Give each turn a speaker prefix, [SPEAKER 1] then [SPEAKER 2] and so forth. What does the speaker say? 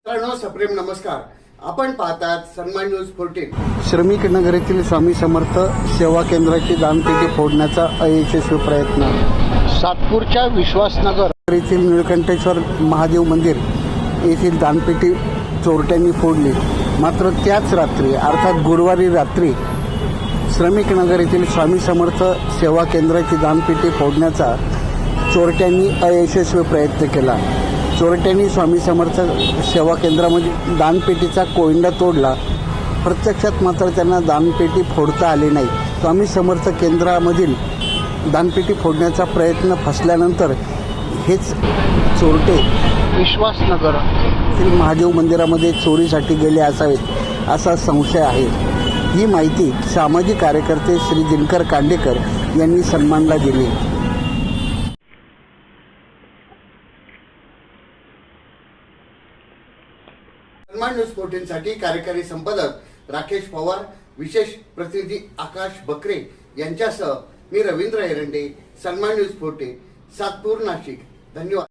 [SPEAKER 1] सप्रेम नमस्कार. आपण पाहतात सन्मान न्यूज 14.
[SPEAKER 2] श्रमिक नगर येथील स्वामी समर्थ सेवा केंद्राची दानपेटी फोडण्याचा अयशस्वी प्रयत्न. सातपूरच्या विश्वासनगर येथील निळकंठेश्वर महादेव मंदिर येथील दानपेटी चोरट्यांनी फोडली. मात्र त्याच रात्री अर्थात गुरुवारी रात्री श्रमिक नगर येथील स्वामी समर्थ सेवा केंद्राची दानपेटी फोडण्याचा चोरट्यांनी अयशस्वी प्रयत्न केला. चोरट्यांनी स्वामी समर्थ सेवा केंद्रामध्ये दानपेटीचा कोयंडा तोडला. प्रत्यक्षात मात्र त्यांना दानपेटी फोडता आली नाही. स्वामी समर्थ केंद्रामधील दानपेटी फोडण्याचा प्रयत्न फसल्यानंतर हेच चोरटे विश्वासनगर येथील महादेव मंदिरामध्ये चोरीसाठी गेले असावेत असा संशय आहे. ही माहिती सामाजिक कार्यकर्ते श्री दिनकर कांडेकर यांनी सन्मानला दिली.
[SPEAKER 1] सन्मान न्यूज 14 साठी कार्यकारी संपादक राकेश पवार, विशेष प्रतिनिधी आकाश बकरे यांच्यासह मी रवींद्र एरंडे. सन्मान न्यूज 14, सातपूर, नाशिक. धन्यवाद.